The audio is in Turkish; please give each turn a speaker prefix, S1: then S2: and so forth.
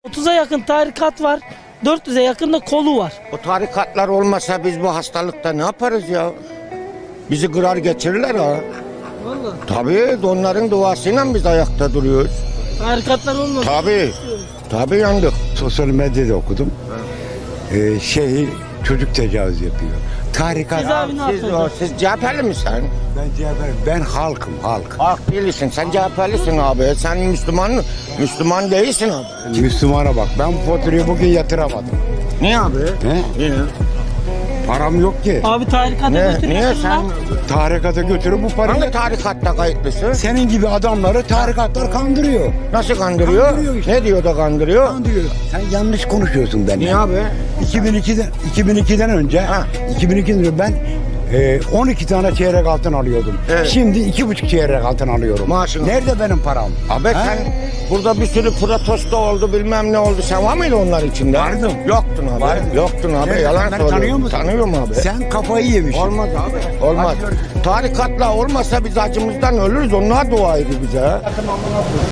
S1: 30'a yakın tarikat var. 400'e yakın da kolu var.
S2: O tarikatlar olmasa biz bu hastalıkta ne yaparız ya? Bizi kırar geçirirler ha.
S1: Vallahi.
S2: Tabii onların duasıyla biz ayakta duruyoruz.
S1: Tarikatlar olmaz.
S2: Tabii yandık.
S3: Sosyal medyada okudum. Çocuk tecavüz yapıyor. Tarikat.
S1: Cezaevine atıldı.
S2: Siz CHP'li misin?
S3: Ben halkım, halk.
S2: Halk değilsin. Sen CHP'lisin abi. Sen Müslüman değilsin abi.
S3: Müslümana bak. Ben bu faturayı bugün yatıramadım.
S2: Niye abi?
S3: He?
S2: Niye?
S3: Param yok ki.
S1: Abi tarikata
S2: Niye
S1: götürüyorsun
S2: sen?
S1: lan.
S3: Tarikata götürüp bu parayı...
S2: Hangi tarikatta kayıtlısın?
S3: Senin gibi adamları tarikatlar kandırıyor.
S2: Nasıl kandırıyor?
S3: Kandırıyor işte.
S2: Ne diyor da kandırıyor?
S3: Kandırıyor. Sen yanlış konuşuyorsun benimle.
S2: Niye abi?
S3: 2002'den önce,
S2: Ha.
S3: 2002'den önce ben 12 tane çeyrek altın alıyordum.
S2: Evet.
S3: Şimdi 2,5 çeyrek altın alıyorum.
S2: Maaşın.
S3: Nerede benim param?
S2: Abi
S3: Ha?
S2: sen burada bir sürü protesto oldu bilmem ne oldu. Sen var mıydın onlar içinde?
S3: Vardım.
S2: Yoktun abi.
S3: Vardım.
S2: Yoktun abi.
S3: Nerede?
S2: Yalan
S3: Sen beni
S2: söylüyorsun.
S3: tanıyor musun?
S2: Tanıyorum abi.
S3: Sen kafayı yemişsin.
S2: Olmaz abi. Olmaz.
S3: Hadi görüşürüz.
S2: Tarikatla olmasa biz acımızdan ölürüz. Onlar dua ediyor bize.